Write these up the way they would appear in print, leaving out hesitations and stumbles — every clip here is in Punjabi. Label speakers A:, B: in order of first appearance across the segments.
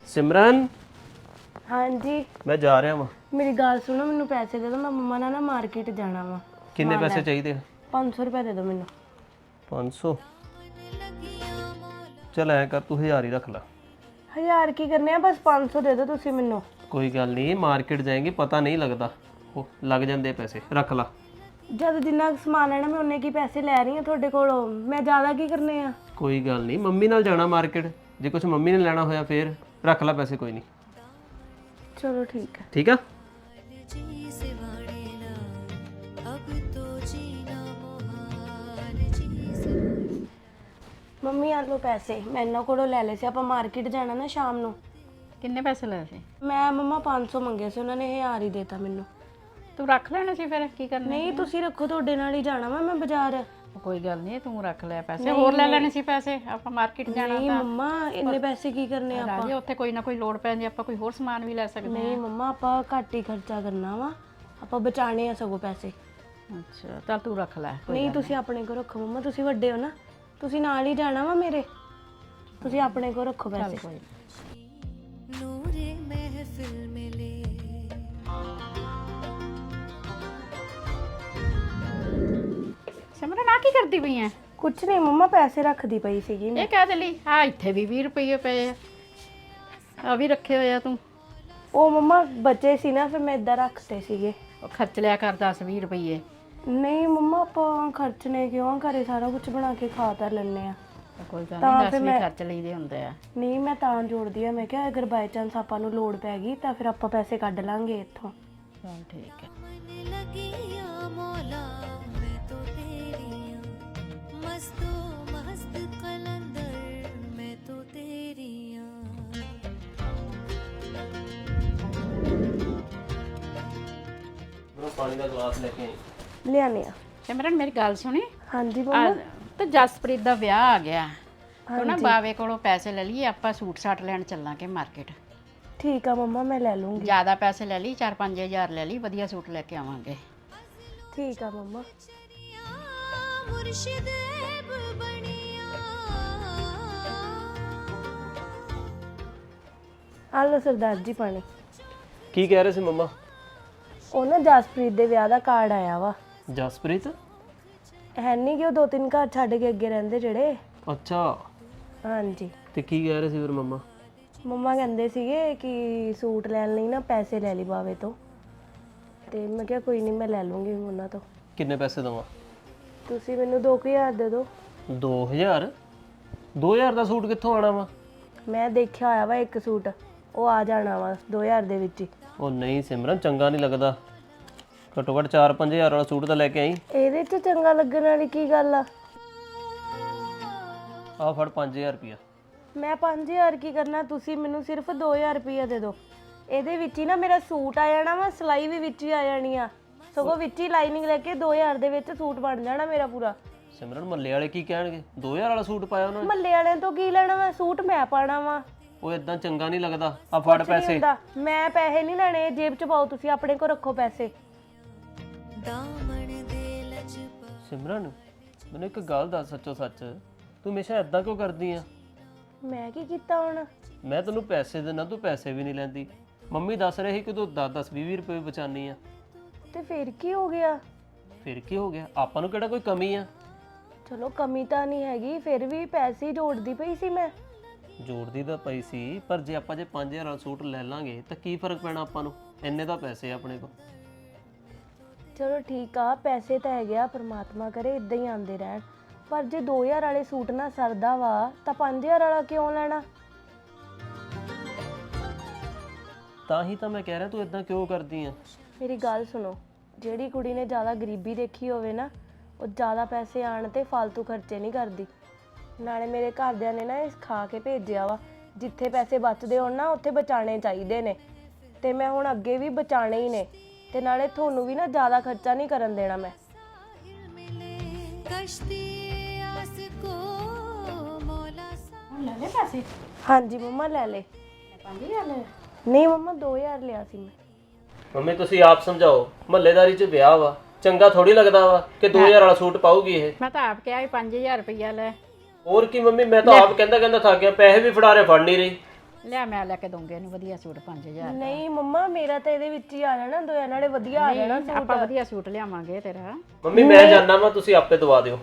A: सिमरन
B: हाँ जी।
A: मैं जा रहा वा।
B: मेरी गल सुनो, मैनू पैसे दे दो, मैं मम्मा नाल ना मार्केट जाना वा।
A: किन्ने पैसे चाहिए?
B: 500 रुपए दे दो मैनू।
A: 500? चल ऐ कर, तू 1000 ही रख ला।
B: 1000 की करने आ, बस 500 दे दो तुसी मैनू।
A: कोई गल नहीं, मार्केट जाएंगे पता नहीं लगता, वो लग जाते पैसे, रख ला।
B: जद जिन्ना समान लेना मैं उन्ने की पैसे लै रही हां ਤੁਹਾਡੇ ਕੋਲੋਂ, मैं ज़्यादा की करने आ।
A: कोई गल नहीं, मम्मी नाल जाना मार्केट, जे कुछ मम्मी ने लेना होया फिर रख ला पैसे, कोई नहीं।
B: चलो ठीक है।
A: ठीक है।
B: ਮੰਮੀ ਆ ਲਓ ਪੈਸੇ, ਮੈਂ ਇਹਨਾਂ ਕੋਲੋਂ ਲੈ ਲਏ ਸੀ। ਆਪਾਂ ਮਾਰਕੀਟ ਜਾਣਾ ਨਾ ਸ਼ਾਮ ਨੂੰ।
C: ਕਿੰਨੇ ਪੈਸੇ ਲਏ ਸੀ?
B: ਮੈਂ ਮੰਮਾ 500 ਮੰਗੇ ਸੀ, ਉਹਨਾਂ ਨੇ 1000 ਹੀ ਦੇਤਾ ਮੈਨੂੰ।
C: ਤੂੰ ਰੱਖ ਲੈਣਾ ਸੀ ਫਿਰ, ਕੀ ਕਰਨਾ?
B: ਨਹੀਂ ਤੁਸੀਂ ਰੱਖੋ, ਤੁਹਾਡੇ ਨਾਲ ਹੀ ਜਾਣਾ ਵਾ ਮੈਂ ਬਾਜ਼ਾਰ।
C: ਕੋਈ ਗੱਲ ਨਹੀਂ, ਤੂੰ ਰੱਖ ਲੈ ਪੈਸੇ, ਹੋਰ ਲੈ ਲੈਣੇ ਸੀ ਪੈਸੇ, ਆਪਾਂ ਮਾਰਕੀਟ ਜਾਣਾ
B: ਨਹੀਂ
C: ਤਾਂ।
B: ਮੰਮਾ ਇੰਨੇ ਪੈਸੇ ਕੀ ਕਰਨੇ ਆਪਾਂ?
C: ਰਾਜੇ ਉੱਥੇ ਕੋਈ ਨਾ ਕੋਈ ਲੋੜ ਪੈਂਦੀ, ਆਪਾਂ ਕੋਈ ਹੋਰ ਸਮਾਨ ਵੀ ਲੈ ਸਕਦੇ
B: ਨਹੀਂ ਮੰਮਾ, ਆਪਾਂ ਘੱਟ ਹੀ ਖਰਚਾ ਕਰਨਾ ਵਾ, ਆਪਾਂ ਬਚਾਣੇ ਆ ਸਗੋਂ ਪੈਸੇ।
C: ਅੱਛਾ ਚੱਲ ਤੂੰ ਰੱਖ ਲੈ।
B: ਨਹੀਂ ਤੁਸੀਂ ਆਪਣੇ ਕੋਲ ਰੱਖੋ ਮੰਮਾ, ਤੁਸੀਂ ਵੱਡੇ ਹੋ ਨਾ, ਤੁਸੀਂ ਨਾਲ ਹੀ ਜਾਣਾ ਵਾ ਮੇਰੇ, ਤੁਸੀਂ ਆਪਣੇ ਕੋਲ ਰੱਖੋ ਪੈਸੇ।
C: ਕੋਈ
D: ਨੂਰੇ ਮਹਿਫਿਲ ਮਿਲੇ।
C: ਸਿਮਰਨ ਆ ਕੀ ਕਰਦੀ ਪਈ ਐ?
B: ਕੁਛ ਨਹੀਂ ਮੰਮਾ, ਪੈਸੇ ਰੱਖਦੀ ਪਈ ਸੀਗੀ ਮੈਂ।
C: ਇਹ ਕਹਿ ਦੇ ਲਈ ਆ, ਇੱਥੇ ਵੀ 20 ਰੁਪਏ ਪਏ ਆ ਵੀ ਰੱਖੇ ਹੋਏ ਆ ਤੂੰ।
B: ਉਹ ਮੰਮਾ ਬਚੇ ਸੀ ਨਾ, ਫਿਰ ਮੈਂ ਇਦਾਂ ਰੱਖਤੇ ਸੀਗੇ।
C: ਉਹ ਖਰਚ ਲਿਆ ਕਰ 10-20 ਰੁਪਏ।
B: ਨਹੀਂ ਮੰਮਾ, ਆਪਾਂ ਖਰਚਣੇ ਕਿਉਂ, ਘਰੇ ਸਾਰਾ ਕੁਝ ਬਣਾ ਕੇ ਖਾ ਤਾਂ ਲੈਣੇ ਆ।
C: ਕੋਈ ਗੱਲ
B: ਤਾਂ
C: ਨਹੀਂ,
B: ਫਿਰ
C: 10
B: ਮੈਂ-
C: ਵੀ ਖਰਚ ਲਈਦੇ ਹੁੰਦੇ ਆ।
B: ਨਹੀਂ ਮੈਂ ਤਾਂ ਜੋੜਦੀ ਆ, ਮੈਂ ਕਿਹਾ ਅਗਰ ਬਾਈ ਚਾਂਸ ਆਪਾਂ ਨੂੰ ਲੋੜ ਪੈ ਗਈ ਤਾਂ ਫਿਰ ਆਪਾਂ ਪੈਸੇ ਕੱਢ ਲਾਂਗੇ ਇੱਥੋਂ।
C: ਚਲ ਠੀਕ ਹੈ।
D: मन लगिया मौला मैं तो तेरी हूँ, मस्तो मस्त कलंदर मैं तो तेरी हूँ।
A: पानी का गिलास लेके आई।
B: ਲਿਆਣੇ ਆ।
C: ਸਿਮਰਨ ਮੇਰੀ ਗੱਲ ਸੁਣੀ,
B: ਹਾਂਜੀ
C: ਆ
B: ਮੰਮਾ।
C: ਤੇ ਜਸਪ੍ਰੀਤ ਦਾ ਵਿਆਹ ਆ ਗਿਆ, ਤੂੰ ਨਾ ਬਾਵੇ ਕੋਲੋਂ ਪੈਸੇ ਲੈ ਲਈਏ, ਆਪਾਂ ਸੂਟ ਸਾਟ ਲੈਣ ਚੱਲਾਂਗੇ ਮਾਰਕੀਟ।
B: ਠੀਕ ਆ ਮੰਮਾ, ਮੈਂ ਲੈ ਲੂੰਗੀ।
C: ਜ਼ਿਆਦਾ ਪੈਸੇ ਲੈ ਲਈ, 4-5 ਹਜ਼ਾਰ ਲੈ ਲਈ, ਵਧੀਆ ਸੂਟ ਲੈ ਕੇ ਆਵਾਂਗੇ।
B: ਠੀਕ ਆ ਮੰਮਾ।
D: मुर्शिद ऐब बनिया।
B: ਆ ਲਓ ਸਰਦਾਰ ਜੀ ਪਾਣੀ।
A: की कह रहे थे मम्मा?
B: ਉਹ ਨਾ ਜਸਪ੍ਰੀਤ ਦੇ ਵਿਆਹ ਦਾ ਕਾਰਡ ਆਇਆ ਵਾ।
A: जसप्रीत?
B: ਹੈ ਨਹੀਂ ਕਿ ਉਹ 2-3 ਘਰ ਛੱਡ ਕੇ ਅੱਗੇ ਰਹਿੰਦੇ ਜਿਹੜੇ।
A: अच्छा,
B: ਹਾਂਜੀ।
A: ते की कह रहे थे फिर मम्मा?
B: ਮੰਮਾ ਕਹਿੰਦੇ ਸੀਗੇ ਕਿ ਸੂਟ ਲੈਣ ਲਈ ਨਾ ਪੈਸੇ ਲੈ ਲਈ ਬਾਵੇ ਤੋਂ, ਤੇ ਮੈਂ ਕਿਹਾ ਕੋਈ ਨਹੀਂ ਮੈਂ ਲੈ ਲੂੰਗੀ ਉਹਨਾਂ ਤੋਂ।
A: किन्ने पैसे दवा?
B: ਤੁਸੀਂ ਮੈਨੂੰ 2000 ਦੇ ਦਿਓ।
A: 2000? 2000 ਦਾ ਸੂਟ ਕਿੱਥੋਂ ਆਣਾ ਵਾ?
B: ਮੈਂ ਦੇਖਿਆ ਹੋਇਆ ਵਾ ਇੱਕ ਸੂਟ, ਉਹ ਆ ਜਾਣਾ ਵਾ 2000 ਦੇ ਵਿੱਚ ਹੀ।
A: ਉਹ ਨਹੀਂ ਸਿਮਰਨ, ਚੰਗਾ ਨਹੀਂ ਲੱਗਦਾ, ਘੱਟੋ ਘੱਟ 4-5000 ਵਾਲਾ ਸੂਟ ਤਾਂ ਲੈ ਕੇ ਆਈ।
B: ਇਹਦੇ 'ਚ ਚੰਗਾ ਲੱਗਣ ਵਾਲੀ ਕੀ ਗੱਲ ਆ?
A: ਆਹ ਫੜ 5000 ਰੁਪਇਆ।
B: ਮੈਂ 5000 ਕੀ ਕਰਨਾ, ਤੁਸੀਂ ਮੈਨੂੰ ਸਿਰਫ 2000 ਰੁਪਇਆ ਦੇ ਦਿਓ। ਇਹਦੇ ਵਿੱਚ ਹੀ ਨਾ ਮੇਰਾ ਸੂਟ ਆ ਜਾਣਾ ਵਾ, ਸਿਲਾਈ ਵੀ ਵਿੱਚ ਹੀ ਆ ਜਾਣੀ ਆ, ਸਗੋਂ ਵਿੱਚ ਹੀ ਲਾਈਨਿੰਗ ਲੈ ਕੇ 2000 ਦੇ ਵਿੱਚ ਸੂਟ ਬਣ ਜਾਣਾ ਮੇਰਾ ਪੂਰਾ।
A: ਸਿਮਰਨ ਮੱਲੇ ਵਾਲੇ ਕੀ ਕਹਿਣਗੇ? 2000 ਵਾਲਾ ਸੂਟ ਪਾਇਆ ਉਹਨਾਂ ਨੇ।
B: ਮੱਲੇ ਵਾਲਿਆਂ ਤੋਂ ਕੀ ਲੈਣਾ ਵਾ, ਸੂਟ ਮੈਂ ਪਾਣਾ ਵਾ।
A: ਉਹ ਇਦਾਂ ਚੰਗਾ ਨਹੀਂ ਲੱਗਦਾ। ਆ ਫੜ ਪੈਸੇ।
B: ਹੁੰਦਾ, ਮੈਂ ਪੈਸੇ ਨਹੀਂ ਲੈਣੇ, ਜੇਬ 'ਚ ਪਾਓ, ਤੁਸੀਂ ਆਪਣੇ ਕੋਲ ਰੱਖੋ ਪੈਸੇ।
D: दामन दे लजपा।
A: ਸਿਮਰਨ ਮੈਨੂੰ ਇੱਕ ਗੱਲ ਦੱਸ, ਸੱਚੋ ਸੱਚ, ਤੂੰ ਹਮੇਸ਼ਾ ਇਦਾਂ ਕਿਉਂ ਕਰਦੀ ਆ?
B: ਮੈਂ ਕੀ ਕੀਤਾ ਹੁਣ?
A: ਮੈਂ ਤੈਨੂੰ ਪੈਸੇ ਦੇਣਾ, ਤੂੰ ਪੈਸੇ ਵੀ ਨਹੀਂ ਲੈਂਦੀ। ਮੰਮੀ ਦੱਸ ਰਹੀ ਕਿ ਤੂੰ 10-20 ਰੁਪਏ ਬਚਾਨੀ ਆ।
B: ਤੇ ਫਿਰ ਕੀ ਹੋ ਗਿਆ?
A: ਫਿਰ ਕੀ ਹੋ ਗਿਆ? ਆਪਾਂ ਨੂੰ ਕਿਹੜਾ ਕੋਈ ਕਮੀ ਆ?
B: ਚਲੋ ਕਮੀ ਤਾਂ ਨਹੀਂ ਹੈਗੀ, ਫਿਰ ਵੀ ਪੈਸੇ ਹੀ ਜੋੜਦੀ ਪਈ ਸੀ ਮੈਂ।
A: ਜੋੜਦੀ ਤਾਂ ਪਈ ਸੀ, ਪਰ ਜੇ ਆਪਾਂ 5000 ਵਾਲਾ ਸੂਟ ਲੈ ਲਾਂਗੇ ਤਾਂ ਕੀ ਫਰਕ ਪੈਣਾ ਆਪਾਂ ਨੂੰ? ਇੰਨੇ ਤਾਂ ਪੈਸੇ ਆ ਆਪਣੇ ਕੋਲ।
B: ਚਲੋ ਠੀਕ ਆ, ਪੈਸੇ ਤਾਂ ਹੈਗੇ ਆ, ਪਰਮਾਤਮਾ ਕਰੇ ਇਦਾਂ ਹੀ ਆਉਂਦੇ ਰਹਿਣ। ਪਰ ਜੇ 2000 ਵਾਲੇ ਸੂਟ ਨਾ ਸਰਦਾ ਵਾ ਤਾਂ 5000 ਵਾਲਾ ਕਿਉਂ ਲੈਣਾ?
A: ਤਾਂ ਹੀ ਤਾਂ ਮੈਂ ਕਹਿ ਰਿਹਾ, ਤੂੰ ਇਦਾਂ ਕਿਉਂ ਕਰਦੀ ਆ?
B: ਮੇਰੀ ਗੱਲ ਸੁਣੋ, ਜਿਹੜੀ ਕੁੜੀ ਨੇ ਜ਼ਿਆਦਾ ਗਰੀਬੀ ਦੇਖੀ ਹੋਵੇ ਨਾ, ਉਹ ਜ਼ਿਆਦਾ ਪੈਸੇ ਆਣ ਤੇ ਫालतू ਖਰਚੇ ਨਹੀਂ ਕਰਦੀ। ਨਾਲੇ ਮੇਰੇ ਘਰਦਿਆਂ ਨੇ ਨਾ ਇਹ ਸਿਖਾ ਕੇ ਭੇਜਿਆ ਵਾ, ਜਿੱਥੇ ਪੈਸੇ ਬਚਦੇ ਹੋਣ ਨਾ ਉੱਥੇ ਬਚਾਉਣੇ ਚਾਹੀਦੇ ਨੇ, ਤੇ ਮੈਂ ਹੁਣ ਅੱਗੇ ਵੀ ਬਚਾਉਣੇ ਹੀ ਨੇ। ਤੇ ਨਾਲੇ ਤੁਹਾਨੂੰ ਵੀ ਨਾ ਜ਼ਿਆਦਾ ਖਰਚਾ ਨਹੀਂ ਕਰਨ ਦੇਣਾ ਮੈਂ।
D: कश्ती आस को मौला सा।
C: ਲੈ ਲੈ ਪੈਸੇ।
B: ਹਾਂਜੀ ਮੰਮਾ ਲੈ ਲੈ।
C: 5000 ਲੈ।
B: ਨਹੀਂ ਮੰਮਾ 2000 ਲਿਆ ਸੀ ਮੈਂ।
A: ਮੰਮੀ ਤੁਸੀਂ ਆਪ ਸਮਝਾਓ, ਮਹੱਲੇਦਾਰੀ 'ਚ ਵਿਆਹ ਵਾ, ਚੰਗਾ ਥੋੜੀ ਲੱਗਦਾ ਵਾ ਕਿ 2000 ਵਾਲਾ ਸੂਟ ਪਾਉਗੀ ਇਹ।
C: ਮੈਂ ਤਾਂ ਆਪ ਕਿਹਾ 5000 ਰੁਪਇਆ ਲੈ।
A: ਹੋਰ ਕੀ ਮੰਮੀ, ਮੈਂ ਤਾਂ ਆਪ ਕਹਿੰਦਾ ਥੱਕ ਗਿਆ, ਪੈਸੇ ਵੀ ਫੜਾ ਰਹੇ, ਫੜ ਨਹੀਂ ਰਹੀ।
C: ਲਿਆ ਮੈਂ ਲੈ ਕੇ ਦਊਂਗੀ ਇਹਨੂੰ ਵਧੀਆ ਸੂਟ 5000
B: ਨਹੀਂ ਮੰਮਾ ਮੇਰਾ ਤਾਂ ਇਹਦੇ ਵਿੱਚ ਹੀ ਆ ਜਾਣਾ ਦੋਆਂ ਨਾਲੇ ਵਧੀਆ ਆ ਜਾਣਾ ਸੂਟ।
C: ਆਪਾਂ ਵਧੀਆ ਸੂਟ ਲਿਆਵਾਂਗੇ ਤੇਰਾ।
A: ਮੰਮੀ ਮੈਂ ਜਾਣਾ ਵਾ, ਤੁਸੀਂ ਆਪੇ ਦਵਾ ਦਿਓ।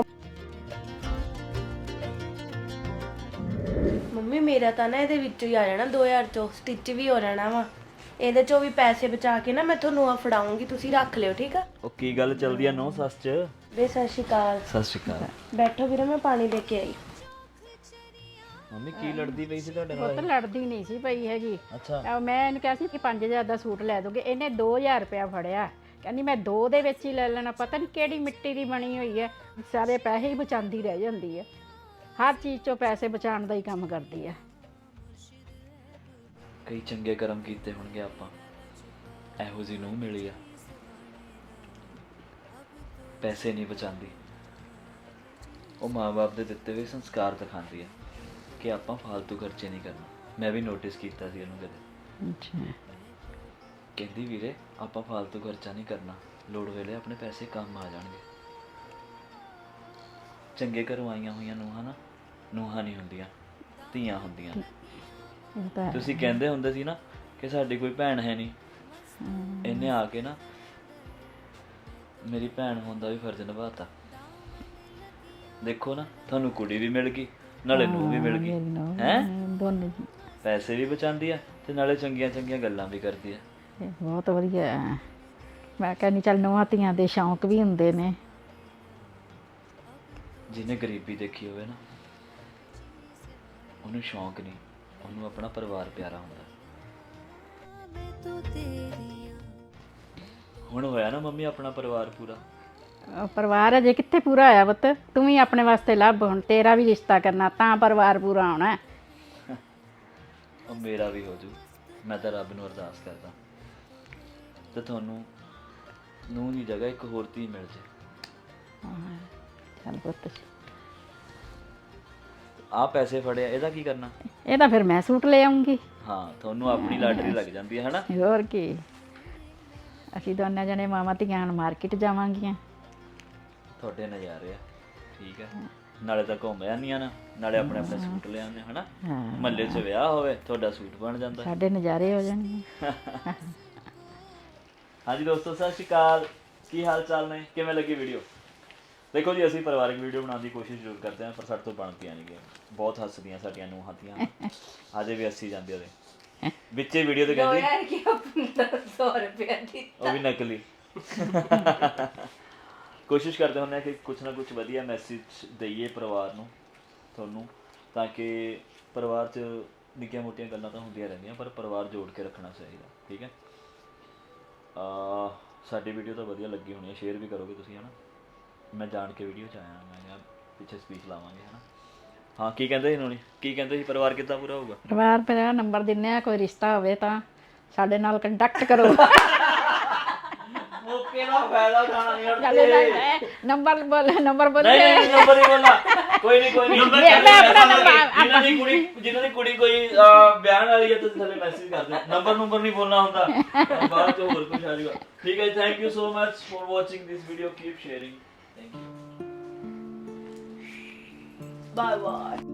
B: ਮੰਮੀ ਮੇਰਾ ਤਾਂ ਨਾ ਇਹਦੇ ਵਿੱਚੋਂ ਹੀ ਆ ਜਾਣਾ 2000 ਚੋਂ, ਸਟਿਚ ਵੀ ਹੋ ਜਾਣਾ ਵਾ। ਇਹਦੇ ਚੋਂ ਵੀ ਪੈਸੇ ਬਚਾ ਕੇ ਨਾ ਮੈਂ ਤੁਹਾਨੂੰ ਆ ਫੜਾਉਂਗੀ, ਤੁਸੀਂ ਰੱਖ ਲਿਓ ਠੀਕ ਆ।
E: ਉਹ ਕੀ ਗੱਲ ਚੱਲਦੀ ਆ ਨੋ ਸੱਸ ਚ?
B: ਵੇ ਸਤਿ ਸ਼੍ਰੀ ਅਕਾਲ।
E: ਸਤਿ ਸ਼੍ਰੀ ਅਕਾਲ।
B: ਬੈਠੋ ਵੀਰੇ ਮੈਂ ਪਾਣੀ ਲੈ ਕੇ ਆਈ।
E: ਮੰਮੀ ਕੀ ਲੜਦੀ ਪਈ ਸੀ ਤੁਹਾਡੇ
C: ਉਹ
E: ਨਾਲ?
C: ਤਾਂ ਲੜਦੀ ਨਹੀਂ ਸੀ ਪਈ ਹੈਗੀ।
E: ਅੱਛਾ
C: ਮੈਂ ਇਹਨੂੰ ਕਿਹਾ ਸੀ ਕਿ 5000 ਦਾ ਸੂਟ ਲੈ ਦੋਗੇ, ਇਹਨੇ 2000 ਰੁਪਇਆ ਫੜਿਆ। ਕਹਿੰਦੀ ਮੈਂ 2 ਦੇ ਵਿੱਚ ਹੀ ਲੈ ਲੈਣਾ, ਪਤਾ ਨਹੀਂ ਕਿਹੜੀ ਮਿੱਟੀ ਦੀ ਬਣੀ ਹੋਈ ਹੈ, ਸਾਰੇ ਪੈਸੇ ਹੀ ਬਚਾਉਂਦੀ ਰਹਿ ਜਾਂਦੀ ਹੈ। ਹਰ ਚੀਜ਼ 'ਚੋਂ ਪੈਸੇ ਬਚਾਉਣ ਦਾ ਹੀ ਕੰਮ ਕਰਦੀ ਹੈ।
E: ਕਈ ਚੰਗੇ ਕਰਮ ਕੀਤੇ ਹੋਣਗੇ ਆਪਾਂ, ਇਹੋ ਜਿਹੀ ਨੂੰ ਮਿਲੀ ਆ। ਪੈਸੇ ਨਹੀਂ ਬਚਾਉਂਦੀ, ਉਹ ਮਾਂ-ਬਾਪ ਦੇ ਦਿੱਤੇ ਹੋਏ ਸੰਸਕਾਰ ਦਿਖਾਉਂਦੀ ਆ ਕਿ ਆਪਾਂ ਫालतू ਖਰਚੇ ਨਹੀਂ ਕਰਨਾ। ਮੈਂ ਵੀ ਨੋਟਿਸ ਕੀਤਾ ਸੀ ਇਹਨੂੰ ਕਦੇ।
C: ਅੱਛਾ
E: ਕਹਿੰਦੀ ਵੀਰੇ ਆਪਾਂ ਫालतू ਖਰਚਾ ਨਹੀਂ ਕਰਨਾ, ਲੋੜ ਵੇਲੇ ਆਪਣੇ ਪੈਸੇ ਕੰਮ ਆ ਜਾਣਗੇ। ਚੰਗੇ ਘਰੋਂ ਆਈਆਂ ਹੋਈਆਂ ਨੂੰਹਾਂ ਨਾ ਨੂੰਹਾਂ ਨਹੀਂ ਹੁੰਦੀਆਂ, ਧੀਆਂ ਹੁੰਦੀਆਂ।
C: ਇਹ ਤਾਂ ਹੈ।
E: ਤੁਸੀਂ ਕਹਿੰਦੇ ਹੁੰਦੇ ਸੀ ਨਾ ਕਿ ਸਾਡੀ ਕੋਈ ਭੈਣ ਹੈ ਨਹੀਂ, ਇਹਨੇ ਆ ਕੇ ਨਾ ਮੇਰੀ ਭੈਣ ਹੋਣ ਦਾ ਵੀ ਫਰਜ਼ ਨਿਭਾਤਾ। ਦੇਖੋ ਨਾ ਤੁਹਾਨੂੰ ਕੁੜੀ ਵੀ ਮਿਲ ਗਈ ਨਾਲੇ ਨੂੰਹ ਵੀ ਮਿਲ ਗਈ ਹੈ।
C: ਦੋਨੇ
E: ਪੈਸੇ ਵੀ ਬਚਾਉਂਦੀ ਆ ਤੇ ਨਾਲੇ ਚੰਗੀਆਂ ਚੰਗੀਆਂ ਗੱਲਾਂ ਵੀ ਕਰਦੀ ਆ।
C: ਇਹ ਬਹੁਤ ਵਧੀਆ ਹੈ। ਮੈਂ ਕਹਿੰਦੀ ਚੱਲ ਨੂੰਹਾਂ ਧੀਆਂ ਦੇ ਸ਼ੌਂਕ ਵੀ ਹੁੰਦੇ ਨੇ।
E: ਜਿਹਨੇ ਗਰੀਬੀ ਦੇਖੀ ਹੋਵੇ ਨਾ ਉਹਨੂੰ ਸ਼ੌਂਕ ਨਹੀਂ, ਉਹਨੂੰ ਆਪਣਾ ਪਰਿਵਾਰ ਪਿਆਰਾ ਹੁੰਦਾ।
D: मैं तो तेरी
E: ਹੁਣ ਹੋਇਆ ਨਾ ਮੰਮੀ ਆਪਣਾ ਪਰਿਵਾਰ ਪੂਰਾ।
C: ਪਰਿਵਾਰ ਅਜੇ ਕਿੱਥੇ ਪੂਰਾ ਹੋਇਆ ਪੁੱਤ, ਤੂੰ ਵੀ ਆਪਣੇ ਵਾਸਤੇ ਲੱਭ, ਹੁਣ ਤੇਰਾ ਵੀ ਰਿਸ਼ਤਾ ਕਰਨਾ ਤਾਂ ਪਰਿਵਾਰ ਪੂਰਾ ਹੋਣਾ ਹੈ।
E: ਉਹ ਮੇਰਾ ਵੀ ਹੋ ਜੂ। ਮੈਂ ਤਾਂ ਰੱਬ ਨੂੰ ਅਰਦਾਸ ਕਰਦਾ ਤੇ ਤੁਹਾਨੂੰ ਨੂੰਹ ਦੀ ਜਗ੍ਹਾ ਇੱਕ ਹੋਰ ਧੀ ਮਿਲ ਜੇ।
C: ਚੱਲ ਪੁੱਤ
E: ਆਹ ਪੈਸੇ ਫੜਿਆ ਇਹਦਾ ਕੀ ਕਰਨਾ?
C: ਇਹ ਤਾਂ ਫਿਰ ਮੈਂ ਸੂਟ ਲੈ ਆਉਂਗੀ।
E: ਹਾਂ ਤੁਹਾਨੂੰ ਆਪਣੀ ਲਾਟਰੀ ਲੱਗ ਜਾਂਦੀ ਹੈ ਹਨਾ।
C: ਹੋਰ ਕੀ, ਅਸੀਂ ਦੋਨੇ ਜਣੇ ਮਾਵਾਂ ਧੀਆਂ ਹੁਣ ਮਾਰਕੀਟ ਜਾਵਾਂਗੀਆਂ।
E: ਤੁਹਾਡੇ ਨਜ਼ਾਰੇ ਆ। ਠੀਕ ਹੈ, ਨਾਲੇ ਤਾਂ ਘੁੰਮ ਜਾਂਦੀਆਂ ਨਾ, ਨਾਲੇ ਆਪਣੇ ਆਪਣੇ ਸੂਟ ਲੈ ਆਉਂਦੇ ਹਨਾ।
C: ਹਾਂ
E: ਮਹੱਲੇ 'ਚ ਵਿਆਹ ਹੋਵੇ ਤੁਹਾਡਾ ਸੂਟ ਬਣ ਜਾਂਦਾ।
C: ਸਾਡੇ ਨਜ਼ਾਰੇ ਹੋ ਜਾਣਗੇ।
E: ਹਾਂਜੀ ਦੋਸਤੋ ਸਤਿ ਸ਼੍ਰੀ ਅਕਾਲ, ਕੀ ਹਾਲ ਚਾਲ ਨੇ, ਕਿਵੇਂ ਲੱਗੀ ਵੀਡੀਓ? ਦੇਖੋ ਜੀ ਅਸੀਂ ਪਰਿਵਾਰਿਕ ਵੀਡੀਓ ਬਣਾਉਣ ਦੀ ਕੋਸ਼ਿਸ਼ ਜ਼ਰੂਰ ਕਰਦੇ ਹਾਂ ਪਰ ਸਾਡੇ ਤੋਂ ਬਣਦੀਆਂ ਨਹੀਂ ਗਈਆਂ। ਬਹੁਤ ਹੱਸਦੀਆਂ ਸਾਡੀਆਂ ਨੂੰਹਾਂ ਧੀਆਂ, ਅਜੇ ਵੀ ਹੱਸੀ ਜਾਂਦੇ ਉਹਦੇ ਵਿੱਚੇ ਵੀਡੀਓ ਤੇ ਕਹਿੰਦੀ
B: 100 ਰੁਪਏ ਦੀ
E: ਉਹ ਵੀ ਨਕਲੀ। ਕੋਸ਼ਿਸ਼ ਕਰਦੇ ਹੁੰਦੇ ਹਾਂ ਕਿ ਕੁਛ ਨਾ ਕੁਛ ਵਧੀਆ ਮੈਸੇਜ ਦਈਏ ਪਰਿਵਾਰ ਨੂੰ, ਤੁਹਾਨੂੰ, ਤਾਂ ਕਿ ਪਰਿਵਾਰ 'ਚ ਨਿੱਕੀਆਂ ਮੋਟੀਆਂ ਗੱਲਾਂ ਤਾਂ ਹੁੰਦੀਆਂ ਰਹਿੰਦੀਆਂ ਪਰ ਪਰਿਵਾਰ ਜੋੜ ਕੇ ਰੱਖਣਾ ਚਾਹੀਦਾ। ਠੀਕ ਹੈ, ਸਾਡੀ ਵੀਡੀਓ ਤਾਂ ਵਧੀਆ ਲੱਗੀ ਹੋਣੀ ਹੈ, ਸ਼ੇਅਰ ਵੀ ਕਰੋਗੇ ਤੁਸੀਂ ਹੈ ਨਾ। ਮੈਂ ਜਾਣ ਕੇ ਵੀਡੀਓ 'ਚ ਆਇਆ, ਮੈਂ ਕਿਹਾ ਪਿੱਛੇ ਸਪੀਚ ਲਾਵਾਂਗੇ ਹੈ ਨਾ। ਹਾਂ ਕੀ ਕਹਿੰਦੇ ਸੀ ਨੋਣੀ, ਕੀ ਕਹਿੰਦੇ ਸੀ ਪਰਿਵਾਰ ਕਿੱਦਾਂ ਪੂਰਾ ਹੋਊਗਾ?
C: ਪਰਿਵਾਰ ਮੇਰਾ ਨੰਬਰ ਦਿੰਨੇ ਆ, ਕੋਈ ਰਿਸ਼ਤਾ ਹੋਵੇ ਤਾਂ ਸਾਡੇ ਨਾਲ ਕੰਟੈਕਟ ਕਰੋ।
E: ਮੌਕੇ ਦਾ ਫਾਇਦਾ ਉਠਾਉਣਾ ਨਹੀਂ
C: ਸਾਡੇ ਨਾਲ ਨੰਬਰ ਬੋਲ, ਨੰਬਰ ਬੋਲ।
E: ਨਹੀਂ ਨੰਬਰ ਨਹੀਂ ਬੋਲਣਾ, ਕੋਈ ਨਹੀਂ ਕੋਈ ਨਹੀਂ। ਜਿਨ੍ਹਾਂ ਦੀ ਕੁੜੀ ਕੋਈ ਬਿਆਨ ਵਾਲੀ ਹੈ ਤੁਸੀਂ ਥੱਲੇ ਮੈਸੇਜ ਕਰ ਦਿਓ, ਨੰਬਰ ਨਹੀਂ ਬੋਲਣਾ ਹੁੰਦਾ, ਬਾਅਦ ਚ ਹੋਰ ਕੁਝ ਆ ਜਾਊਗਾ। ਠੀਕ ਹੈ, thank you so much for watching this video, keep sharing, thank you,
B: bye bye.